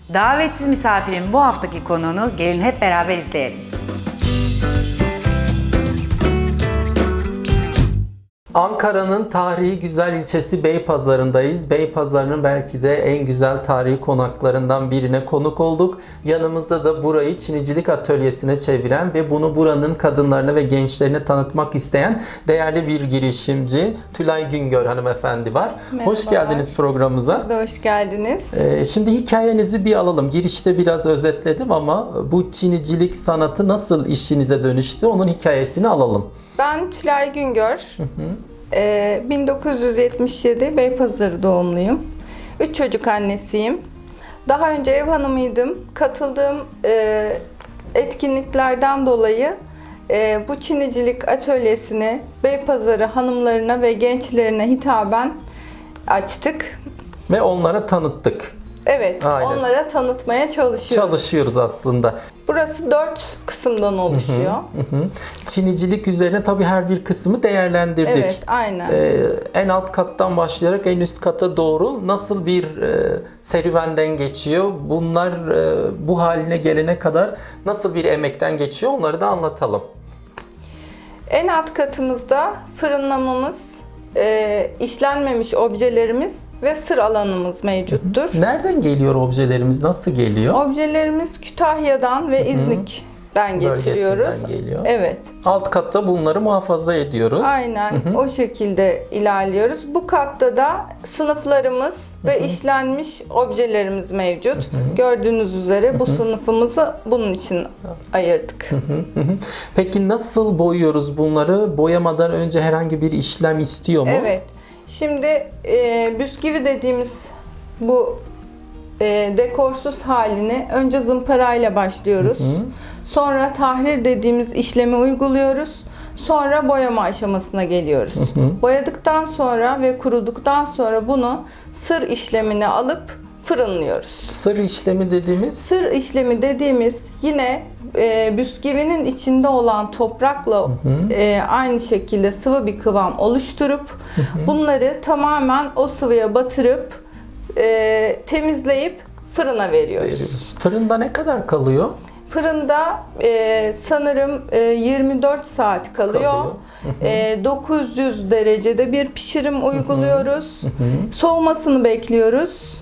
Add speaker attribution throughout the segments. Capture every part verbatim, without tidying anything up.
Speaker 1: Davetsiz misafirin bu haftaki konuğunu gelin hep beraber izleyelim.
Speaker 2: Ankara'nın tarihi güzel ilçesi Beypazarı'ndayız. Beypazarı'nın belki de en güzel tarihi konaklarından birine konuk olduk. Yanımızda da burayı Çinicilik atölyesine çeviren ve bunu buranın kadınlarına ve gençlerine tanıtmak isteyen değerli bir girişimci Tülay Güngör hanımefendi var.
Speaker 3: Merhabalar.
Speaker 2: Hoş geldiniz programımıza.
Speaker 3: Siz de hoş geldiniz.
Speaker 2: Ee, şimdi hikayenizi bir alalım. Girişte biraz özetledim ama bu Çinicilik sanatı nasıl işinize dönüştü? Onun hikayesini alalım.
Speaker 3: Ben Tülay Güngör. Hı hı. Ee, bin dokuz yüz yetmiş yedi Beypazarı doğumluyum. Üç çocuk annesiyim. Daha önce ev hanımıydım. Katıldığım e, etkinliklerden dolayı e, bu Çinicilik atölyesini Beypazarı hanımlarına ve gençlerine hitaben açtık.
Speaker 2: Ve onlara tanıttık.
Speaker 3: Evet,
Speaker 2: Aynen.
Speaker 3: onlara tanıtmaya çalışıyoruz.
Speaker 2: Çalışıyoruz aslında.
Speaker 3: Burası dört kısımdan oluşuyor.
Speaker 2: Hı hı. Çinicilik üzerine tabii her bir kısmı değerlendirdik.
Speaker 3: Evet, aynen.
Speaker 2: Ee, en alt kattan başlayarak en üst kata doğru nasıl bir e, serüvenden geçiyor? Bunlar e, bu haline gelene kadar nasıl bir emekten geçiyor? Onları da anlatalım.
Speaker 3: En alt katımızda fırınlamamız, e, işlenmemiş objelerimiz ve sır alanımız mevcuttur.
Speaker 2: Nereden geliyor objelerimiz? Nasıl geliyor?
Speaker 3: Objelerimiz Kütahya'dan ve İznik'ten getiriyoruz.
Speaker 2: Bölgesinden geliyor.
Speaker 3: Evet.
Speaker 2: Alt katta bunları muhafaza ediyoruz.
Speaker 3: Aynen o şekilde ilerliyoruz. Bu katta da sınıflarımız ve işlenmiş objelerimiz mevcut. Gördüğünüz üzere bu sınıfımızı bunun için ayırdık.
Speaker 2: Peki nasıl boyuyoruz bunları? Boyamadan önce herhangi bir işlem istiyor mu?
Speaker 3: Evet. Şimdi e, bisküvi dediğimiz bu e, dekorsuz halini önce zımparayla başlıyoruz. Hı hı. Sonra tahrir dediğimiz işlemi uyguluyoruz. Sonra boyama aşamasına geliyoruz. Hı hı. Boyadıktan sonra ve kuruduktan sonra bunu sır işlemine alıp fırınlıyoruz.
Speaker 2: Sır işlemi dediğimiz?
Speaker 3: Sır işlemi dediğimiz yine e, bisküvinin içinde olan toprakla hı hı. E, aynı şekilde sıvı bir kıvam oluşturup hı hı. bunları tamamen o sıvıya batırıp e, temizleyip fırına veriyoruz.
Speaker 2: veriyoruz. Fırında ne kadar kalıyor?
Speaker 3: Fırında e, sanırım e, yirmi dört saat kalıyor. kalıyor. Hı hı. E, dokuz yüz derecede bir pişirim uyguluyoruz. Hı hı. Soğumasını bekliyoruz.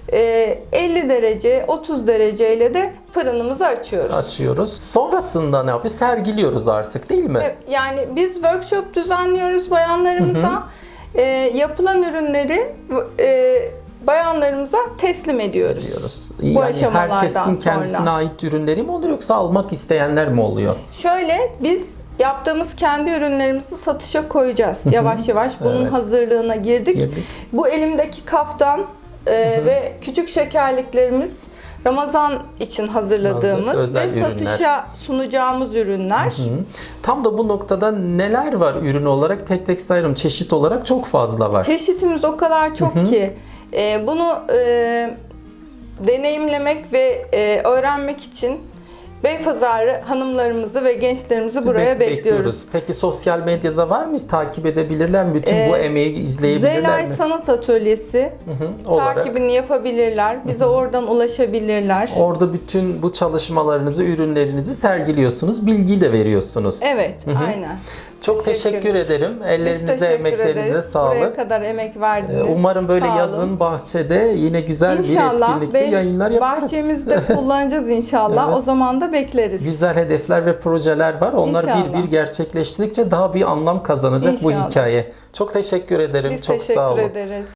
Speaker 3: elli derece, otuz derece ile de fırınımızı açıyoruz.
Speaker 2: Açıyoruz. Sonrasında ne yapıyoruz? Sergiliyoruz artık değil mi?
Speaker 3: Yani biz workshop düzenliyoruz bayanlarımıza. Hı hı. E, yapılan ürünleri e, bayanlarımıza teslim ediyoruz. ediyoruz. Bu
Speaker 2: yani
Speaker 3: aşamalardan
Speaker 2: herkesin
Speaker 3: sonra.
Speaker 2: kendisine ait ürünleri mi oluyor yoksa almak isteyenler mi oluyor?
Speaker 3: Şöyle biz yaptığımız kendi ürünlerimizi satışa koyacağız. Hı hı. Yavaş yavaş bunun evet. hazırlığına girdik. girdik. Bu elimdeki kaftan Ee, ve küçük şekerliklerimiz Ramazan için hazırladığımız Özel ve ürünler. satışa sunacağımız ürünler. Hı hı.
Speaker 2: Tam da bu noktada neler var ürün olarak tek tek sayarım. Çeşit olarak çok fazla var.
Speaker 3: Çeşitimiz o kadar çok hı hı. ki e, bunu e, deneyimlemek ve e, öğrenmek için Beypazarı hanımlarımızı ve gençlerimizi buraya Bek- bekliyoruz. bekliyoruz.
Speaker 2: Peki sosyal medyada var mıyız? Takip edebilirler mi? Bütün ee, bu emeği izleyebilirler
Speaker 3: Zelay
Speaker 2: mi?
Speaker 3: Sanat Atölyesi hı hı, takibini yapabilirler. Bize hı hı. oradan ulaşabilirler.
Speaker 2: Orada bütün bu çalışmalarınızı, ürünlerinizi sergiliyorsunuz. Bilgi de veriyorsunuz.
Speaker 3: Evet, hı hı. aynen.
Speaker 2: Çok teşekkür, teşekkür ederim. Ellerinize, teşekkür emeklerinize ederiz. sağlık.
Speaker 3: Buraya kadar emek verdiniz.
Speaker 2: Umarım böyle yazın bahçede yine güzel
Speaker 3: inşallah
Speaker 2: bir etkinlikte yayınlar yaparız.
Speaker 3: Bahçemizde kullanacağız inşallah. Evet. O zaman da bekleriz.
Speaker 2: Güzel hedefler ve projeler var. Onlar inşallah. bir bir gerçekleştirdikçe daha bir anlam kazanacak inşallah. bu hikaye. Çok teşekkür ederim.
Speaker 3: Biz
Speaker 2: Çok
Speaker 3: teşekkür
Speaker 2: sağ olun.
Speaker 3: ederiz.